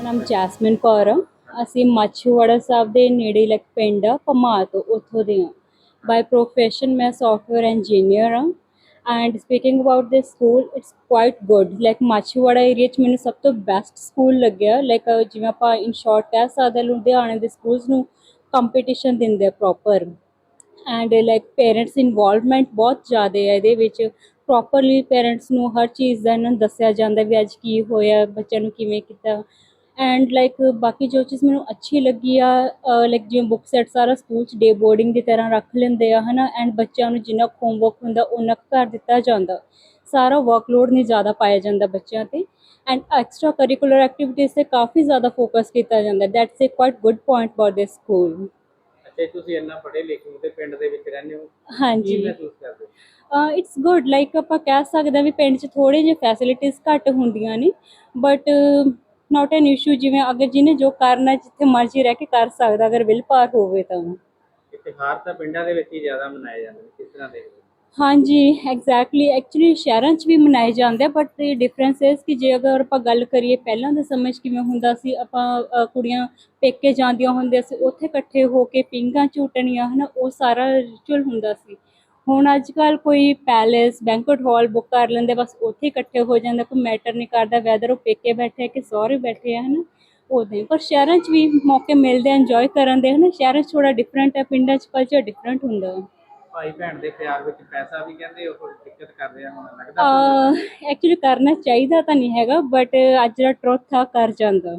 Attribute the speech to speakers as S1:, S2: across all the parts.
S1: ਨਾਮ ਜੈਸਮਿਨ ਕੌਰ ਆ। ਅਸੀਂ ਮਾਛੀਵਾੜਾ ਸਾਹਿਬ ਦੇ ਨੇੜੇ ਲਾਈਕ ਪਿੰਡ ਆ ਭਮਾਲ ਤੋਂ, ਉੱਥੋਂ ਦੇ ਹਾਂ। ਬਾਈ ਪ੍ਰੋਫੈਸ਼ਨ ਮੈਂ ਸੌਫਟਵੇਅਰ ਇੰਜੀਨੀਅਰ ਹਾਂ। And speaking about this school, it's quite good. Like Machhiwara area 'ਚ ਮੈਨੂੰ ਸਭ ਤੋਂ ਬੈਸਟ ਸਕੂਲ ਲੱਗਿਆ। ਲਾਈਕ ਜਿਵੇਂ ਆਪਾਂ ਇਨ ਸ਼ੋਰਟ ਕਹਿ ਸਕਦੇ ਲੁਧਿਆਣੇ ਦੇ ਸਕੂਲਸ ਨੂੰ ਕੰਪੀਟੀਸ਼ਨ ਦਿੰਦੇ ਆ proper. And like parents involvement ਬਹੁਤ ਜ਼ਿਆਦਾ ਹੈ ਇਹਦੇ ਵਿੱਚ। ਪ੍ਰੋਪਰਲੀ ਪੇਰੈਂਟਸ ਨੂੰ ਹਰ ਚੀਜ਼ ਦਾ ਇਹਨਾਂ ਨੂੰ ਦੱਸਿਆ ਜਾਂਦਾ ਵੀ ਅੱਜ ਕੀ ਹੋਇਆ, ਬੱਚਿਆਂ ਨੂੰ ਕਿਵੇਂ ਕੀਤਾ। ਐਂਡ ਲਾਈਕ ਬਾਕੀ ਜੋ ਚੀਜ਼ ਮੈਨੂੰ ਅੱਛੀ ਲੱਗੀ ਆ, ਲਾਈਕ ਜਿਵੇਂ ਬੁੱਕ ਸੈਟ ਸਾਰਾ ਸਕੂਲ 'ਚ ਡੇ ਬੋਰਡਿੰਗ ਦੀ ਤਰ੍ਹਾਂ ਰੱਖ ਲੈਂਦੇ ਆ ਹੈ ਨਾ। ਐਂਡ ਬੱਚਿਆਂ ਨੂੰ ਜਿੰਨਾ ਹੋਮਵਰਕ ਹੁੰਦਾ ਉਨਾ ਕੁ ਘਰ ਦਿੱਤਾ ਜਾਂਦਾ, ਸਾਰਾ ਵਰਕਲੋਡ ਨਹੀਂ ਜ਼ਿਆਦਾ ਪਾਇਆ ਜਾਂਦਾ ਬੱਚਿਆਂ 'ਤੇ। ਐਂਡ ਐਕਸਟਰਾ ਕਰਿਕੂਲਰ ਐਕਟੀਵਿਟੀਜ਼ 'ਤੇ ਕਾਫੀ ਜ਼ਿਆਦਾ ਫੋਕਸ ਕੀਤਾ ਜਾਂਦਾ। That's a quite good point about this school.
S2: ਅੱਛਾ, ਤੁਸੀਂ ਇੰਨਾ ਪੜ੍ਹੇ ਲਿਖੇ ਹੋ ਤੇ ਪਿੰਡ ਦੇ ਵਿੱਚ ਰਹਿੰਦੇ ਹੋ,
S1: ਹਾਂਜੀ,
S2: ਕੀ ਮਹਿਸੂਸ ਕਰਦੇ ਹੋ?
S1: It's good. ਲਾਈਕ ਆਪਾਂ ਕਹਿ ਸਕਦੇ ਹਾਂ ਵੀ ਪਿੰਡ 'ਚ ਥੋੜ੍ਹੇ ਜਿਹੇ ਫੈਸਿਲਿਟੀਜ਼ ਘੱਟ ਹੁੰਦੀਆਂ ਨੇ, ਬਟ ਨਾਟ ਐਨ ਇਸ਼ੂ। ਜਿਵੇਂ ਅਗਰ ਜਿਹਨੇ ਜੋ ਕਰਨਾ ਜਿੱਥੇ ਮਰਜ਼ੀ ਰਹਿ ਕੇ ਕਰ ਸਕਦਾ, ਅਗਰ ਵਿਲ ਪਾਰ ਹੋਵੇ ਤਾਂ।
S2: ਤਿਉਹਾਰ ਤਾਂ ਪਿੰਡਾਂ ਦੇ ਵਿੱਚ ਹੀ ਜ਼ਿਆਦਾ ਮਨਾਏ ਜਾਂਦੇ ਨੇ, ਕਿਸ ਤਰ੍ਹਾਂ ਦੇਖਦੇ ਹੋ?
S1: ਹਾਂਜੀ, ਐਗਜ਼ੈਕਟਲੀ। ਐਕਚੁਅਲੀ ਸ਼ਹਿਰਾਂ 'ਚ ਵੀ ਮਨਾਏ ਜਾਂਦੇ ਆ, ਬਟ ਡਿਫਰੈਂਸ ਇਸ ਕਿ ਜੇ ਅਗਰ ਆਪਾਂ ਗੱਲ ਕਰੀਏ ਪਹਿਲਾਂ ਦੇ ਸਮੇਂ 'ਚ ਕਿਵੇਂ ਹੁੰਦਾ ਸੀ, ਆਪਾਂ ਕੁੜੀਆਂ ਪੇਕੇ ਜਾਂਦੀਆਂ ਹੁੰਦੀਆਂ ਸੀ, ਉੱਥੇ ਇਕੱਠੇ ਹੋ ਕੇ ਪੀਂਘਾਂ ਝੂਟਣੀਆਂ ਹੈ ਨਾ, ਉਹ ਸਾਰਾ ਰਿਚੁਅਲ ਹੁੰਦਾ ਸੀ। ਹੁਣ ਅੱਜ ਕੱਲ੍ਹ ਕੋਈ ਪੈਲੇਸ ਬੈਂਕੁਏਟ ਹਾਲ ਬੁੱਕ ਕਰ ਲੈਂਦੇ, ਬਸ ਉੱਥੇ ਇਕੱਠੇ ਹੋ ਜਾਂਦਾ। ਕੋਈ ਮੈਟਰ ਨਹੀਂ ਕਰਦਾ ਵੈਦਰ ਉਹ ਪੇਕੇ ਬੈਠੇ ਕਿ ਸਹੁਰੇ ਬੈਠੇ ਆ ਹੈ ਨਾ, ਉੱਦਾਂ ਹੀ। ਪਰ ਸ਼ਹਿਰਾਂ 'ਚ ਵੀ ਮੌਕੇ ਮਿਲਦੇ ਆ ਇੰਜੋਏ ਕਰਨ ਦੇ ਹੈ ਨਾ। ਸ਼ਹਿਰਾਂ 'ਚ ਥੋੜ੍ਹਾ ਡਿਫਰੈਂਟ ਹੈ, ਪਿੰਡਾਂ 'ਚ ਕਲਚਰ ਡਿਫਰੈਂਟ ਹੁੰਦਾ।
S2: ਭਾਈ ਭੈਣ ਦੇ ਪਿਆਰ ਵਿੱਚ ਪੈਸਾ ਵੀ ਕਹਿੰਦੇ ਉਹ ਦਿੱਕਤ ਕਰਦੇ ਆ, ਹੁਣ ਲੱਗਦਾ ਤੁਹਾਨੂੰ?
S1: ਐਕਚੁਅਲੀ ਕਰਨਾ ਚਾਹੀਦਾ ਤਾਂ ਨਹੀਂ ਹੈਗਾ, ਬਟ ਅੱਜ ਦਾ ਟਰੁੱਥ ਆ ਕਰ ਜਾਂਦਾ।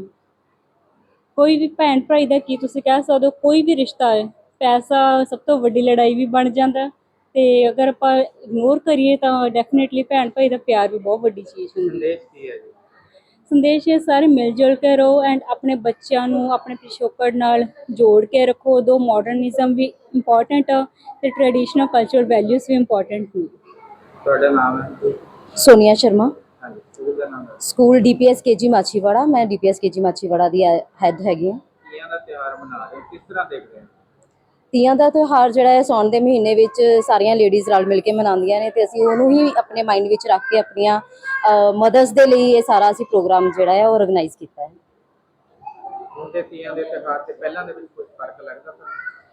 S1: ਕੋਈ ਵੀ ਭੈਣ ਭਾਈ ਦਾ ਕੀ ਤੁਸੀਂ ਕਹਿ ਸਕਦੇ ਹੋ, ਕੋਈ ਵੀ ਰਿਸ਼ਤਾ ਹੈ, ਪੈਸਾ ਸਭ ਤੋਂ ਵੱਡੀ ਲੜਾਈ ਵੀ ਬਣ ਜਾਂਦਾ। ਅਤੇ ਅਗਰ ਆਪਾਂ ਇਗਨੋਰ ਕਰੀਏ ਤਾਂ ਡੈਫੀਨੇਟਲੀ ਭੈਣ ਭਾਈ ਦਾ ਪਿਆਰ ਵੀ ਬਹੁਤ ਵੱਡੀ ਚੀਜ਼ ਹੁੰਦੀ ਹੈ।
S2: ਸੰਦੇਸ਼ ਕੀ ਹੈ ਜੀ?
S1: ਸੰਦੇਸ਼ ਇਹ ਸਾਰੇ ਮਿਲ ਜੁਲ ਕੇ ਰਹੋ ਐਂਡ ਆਪਣੇ ਬੱਚਿਆਂ ਨੂੰ ਆਪਣੇ ਪਿਛੋਕੜ ਨਾਲ ਜੋੜ ਕੇ ਰੱਖੋ। ਉਦੋਂ ਮਾਡਰਨਿਜ਼ਮ ਵੀ ਇੰਪੋਰਟੈਂਟ ਆ ਅਤੇ ਟਰੈਡੀਸ਼ਨਲ ਕਲਚਰ ਵੈਲਿਊਜ਼ ਵੀ ਇੰਪੋਰਟੈਂਟ ਨੇ।
S2: ਤੁਹਾਡਾ ਨਾਮ ਹੈ?
S3: सोनिया शर्मा।
S2: ਹਾਂਜੀ, ਸਕੂਲ ਦਾ ਨਾਮ ਹੈ?
S3: School DPS KG Machhiwara. ਮੈਂ DPS KG ਮਾਛੀਵਾੜਾ ਦੀ ਹੈੱਡ ਹੈਗੀ ਹਾਂ।
S2: ਤੀਆਂ ਦਾ ਤਿਉਹਾਰ ਮਨਾ ਰਹੇ ਹੋ, ਕਿਸ ਤਰ੍ਹਾਂ ਦੇਖਦੇ ਹੋ?
S3: ਤੀਆਂ ਦਾ ਤਿਉਹਾਰ ਜਿਹੜਾ ਹੈ ਸਾਉਣ ਦੇ ਮਹੀਨੇ ਵਿੱਚ ਸਾਰੀਆਂ ਲੇਡੀਜ਼ ਰਲ ਮਿਲ ਕੇ ਮਨਾਉਂਦੀਆਂ ਨੇ, ਅਤੇ ਅਸੀਂ ਉਹਨੂੰ ਹੀ ਆਪਣੇ ਮਾਈਂਡ ਵਿੱਚ ਰੱਖ ਕੇ ਆਪਣੀਆਂ ਮਦਰਸ ਦੇ ਲਈ ਇਹ ਸਾਰਾ ਅਸੀਂ ਪ੍ਰੋਗਰਾਮ ਜਿਹੜਾ ਹੈ ਉਹ ਔਰਗਨਾਈਜ਼ ਕੀਤਾ ਹੈ।
S2: ਹੁਣ ਦੇ ਤੀਆਂ ਦੇ ਤਿਉਹਾਰ ਤੇ ਪਹਿਲਾਂ ਦੇ ਵਿੱਚ ਕੁਝ ਫਰਕ ਲੱਗਦਾ ਤੁਹਾਨੂੰ?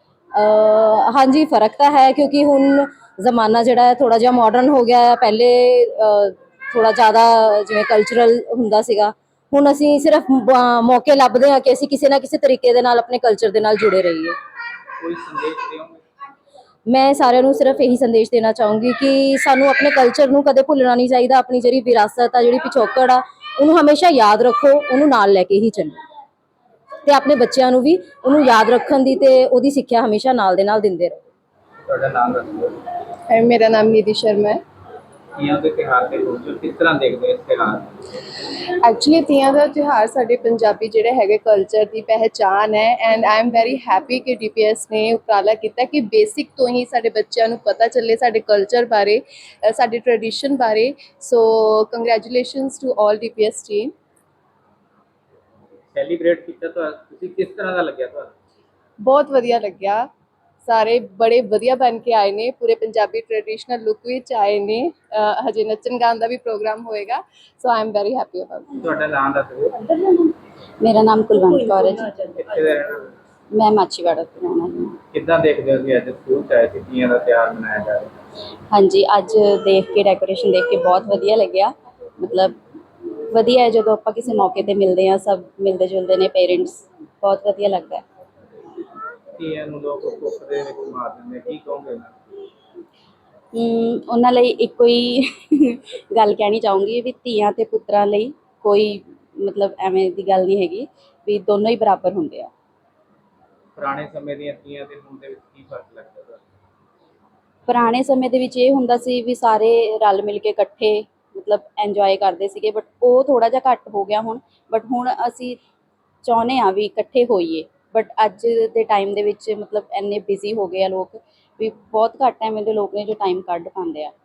S3: ਹਾਂਜੀ, ਫ਼ਰਕ ਤਾਂ ਹੈ, ਕਿਉਂਕਿ ਹੁਣ ਜ਼ਮਾਨਾ ਜਿਹੜਾ ਹੈ ਥੋੜ੍ਹਾ ਜਿਹਾ ਮਾਡਰਨ ਹੋ ਗਿਆ ਹੈ। ਪਹਿਲੇ ਥੋੜ੍ਹਾ ਜ਼ਿਆਦਾ ਜਿਵੇਂ ਕਲਚਰਲ ਹੁੰਦਾ ਸੀਗਾ, ਹੁਣ ਅਸੀਂ ਸਿਰਫ ਮੌਕੇ ਲੱਭਦੇ ਹਾਂ ਕਿ ਅਸੀਂ ਕਿਸੇ ਨਾ ਕਿਸੇ ਤਰੀਕੇ ਦੇ ਨਾਲ ਆਪਣੇ ਕਲਚਰ ਦੇ ਨਾਲ ਜੁੜੇ ਰਹੀਏ।
S2: ਕੋਈ ਸੰਦੇਸ਼ ਦਿਓਗੇ?
S3: ਮੈਂ ਸਾਰਿਆਂ ਨੂੰ ਸਿਰਫ ਇਹੀ ਸੰਦੇਸ਼ ਦੇਣਾ ਚਾਹੂੰਗੀ ਕਿ ਸਾਨੂੰ ਆਪਣੇ ਕਲਚਰ ਨੂੰ ਕਦੇ ਭੁੱਲਣਾ ਨਹੀਂ ਚਾਹੀਦਾ। ਆਪਣੀ ਜਿਹੜੀ ਵਿਰਾਸਤ ਆ, ਜਿਹੜੀ ਪਿਛੋਕੜ ਆ, ਉਹਨੂੰ ਹਮੇਸ਼ਾ ਯਾਦ ਰੱਖੋ, ਉਹਨੂੰ ਨਾਲ ਲੈ ਕੇ ਹੀ ਚੱਲੋ, ਅਤੇ ਆਪਣੇ ਬੱਚਿਆਂ ਨੂੰ ਵੀ ਉਹਨੂੰ ਯਾਦ ਰੱਖਣ ਦੀ ਅਤੇ ਉਹਦੀ ਸਿੱਖਿਆ ਹਮੇਸ਼ਾ ਨਾਲ ਦੇ ਨਾਲ ਦਿੰਦੇ ਰਹੋ।
S2: ਤੁਹਾਡਾ ਨਾਮ ਦੱਸੋ?
S4: मेरा नाम निधि शर्मा है।
S2: ਤੀਆਂ ਦੇ ਤਿਉਹਾਰ ਤੇ ਪਹੁੰਚੋ, ਕਿਸ ਤਰ੍ਹਾਂ ਦੇਖਦੇ ਹੋ ਇਸ ਤਿਉਹਾਰ?
S4: ਐਕਚੁਅਲੀ ਤੀਆਂ ਦਾ ਤਿਉਹਾਰ ਸਾਡੇ ਪੰਜਾਬੀ ਜਿਹੜੇ ਹੈਗੇ ਕਲਚਰ ਦੀ ਪਹਿਚਾਣ ਹੈ। And I am very happy ਕਿ DPS ਨੇ ਉਪਰਾਲਾ ਕੀਤਾ ਕਿ ਬੇਸਿਕ ਤੋਂ ਹੀ ਸਾਡੇ ਬੱਚਿਆਂ ਨੂੰ ਪਤਾ ਚੱਲੇ ਸਾਡੇ ਕਲਚਰ ਬਾਰੇ, ਸਾਡੇ ਟ੍ਰੈਡੀਸ਼ਨ ਬਾਰੇ। So congratulations to all DPS team.
S2: Celebrate ਕੀਤਾ ਤਾਂ ਤੁਸੀਂ, ਕਿਸ ਤਰ੍ਹਾਂ ਦਾ ਲੱਗਿਆ ਤੁਹਾਨੂੰ?
S4: ਬਹੁਤ ਵਧੀਆ ਲੱਗਿਆ। ਸਾਰੇ ਬੜੇ ਵਧੀਆ ਬਣ ਕੇ ਆਏ ਨੇ, ਪੂਰੇ ਪੰਜਾਬੀ ਟ੍ਰੈਡੀਸ਼ਨਲ ਲੁੱਕ ਵਿੱਚ ਆਏ ਨੇ। ਹਜੇ ਨੱਚਣ ਗਾਉਣ ਦਾ ਵੀ ਪ੍ਰੋਗਰਾਮ ਹੋਏਗਾ। So I am very happy about it.
S2: ਤੁਹਾਡਾ ਨਾਮ ਦੱਸ ਦਿਓ।
S3: ਮੇਰਾ ਨਾਮ ਕੁਲਵੰਤ ਕੌਰ ਹੈ ਜੀ।
S2: ਕਿੱਥੇ ਦੇ ਰਹਿਣ ਵਾਲੇ?
S3: ਮੈਂ ਮਾਛੀਵਾੜਾ ਤੋਂ ਰਹਿਣ ਵਾਲੀ ਹਾਂ।
S2: ਕਿੱਦਾਂ ਦੇਖਦੇ ਹੋ ਕਿ ਅੱਜ ਸਕੂਲ 'ਚ ਆਏ ਸੀ, ਤੀਆਂ ਦਾ ਤਿਉਹਾਰ ਮਨਾਇਆ ਜਾ ਰਿਹਾ?
S3: ਹਾਂਜੀ, ਅੱਜ ਦੇਖ ਕੇ ਡੈਕੋਰੇਸ਼ਨ ਦੇਖ ਕੇ ਬਹੁਤ ਵਧੀਆ ਲੱਗਿਆ। ਮਤਲਬ ਵਧੀਆ ਹੈ ਜਦੋਂ ਆਪਾਂ ਕਿਸੇ ਮੌਕੇ 'ਤੇ ਮਿਲਦੇ ਹਾਂ, ਸਭ ਮਿਲਦੇ ਜੁਲਦੇ ਨੇ, ਪੇਰੈਂਟਸ, ਬਹੁਤ ਵਧੀਆ ਲੱਗਦਾ ਹੈ।
S2: ਤੀਆਂ ਨੂੰ ਲੋਕ ਕੁੱਖ ਦੇ ਵਿੱਚ ਮਾਰ ਦਿੰਦੇ, ਕੀ ਕਹੋਗੇ ਨਾ?
S3: ਉਹਨਾਂ ਲਈ ਇੱਕੋ ਹੀ ਗੱਲ ਕਹਿਣੀ ਚਾਹੂੰਗੀ ਵੀ ਧੀਆਂ ਅਤੇ ਪੁੱਤਰਾਂ ਲਈ ਕੋਈ ਮਤਲਬ ਐਵੇਂ ਦੀ ਗੱਲ ਨਹੀਂ ਹੈਗੀ, ਵੀ ਦੋਨੋਂ ਹੀ ਬਰਾਬਰ ਹੁੰਦੇ ਆ।
S2: ਪੁਰਾਣੇ ਸਮੇਂ ਦੀਆਂ ਤੀਆਂ ਤੇ ਹੁਣ ਦੇ ਵਿੱਚ ਕੀ ਫਰਕ ਲੱਗਦਾ ਤੁਹਾਨੂੰ?
S3: ਪੁਰਾਣੇ ਸਮੇਂ ਦੇ ਵਿੱਚ ਇਹ ਹੁੰਦਾ ਸੀ ਵੀ ਸਾਰੇ ਰਲ ਮਿਲ ਕੇ ਇਕੱਠੇ ਮਤਲਬ ਇੰਜੋਏ ਕਰਦੇ ਸੀਗੇ, ਬਟ ਉਹ ਥੋੜ੍ਹਾ ਜਿਹਾ ਘੱਟ ਹੋ ਗਿਆ ਹੁਣ। ਬਟ ਹੁਣ ਅਸੀਂ ਚਾਹੁੰਦੇ ਹਾਂ ਵੀ ਇਕੱਠੇ ਹੋਈਏ, ਬਟ ਅੱਜ ਦੇ ਟਾਈਮ ਦੇ ਵਿੱਚ ਮਤਲਬ ਇੰਨੇ ਬਿਜ਼ੀ ਹੋ ਗਏ ਆ ਲੋਕ, ਵੀ ਬਹੁਤ ਘੱਟ ਐਵੇਂ ਦੇ ਲੋਕ ਨੇ ਜੋ ਟਾਈਮ ਕੱਢ ਪਾਉਂਦੇ ਆ।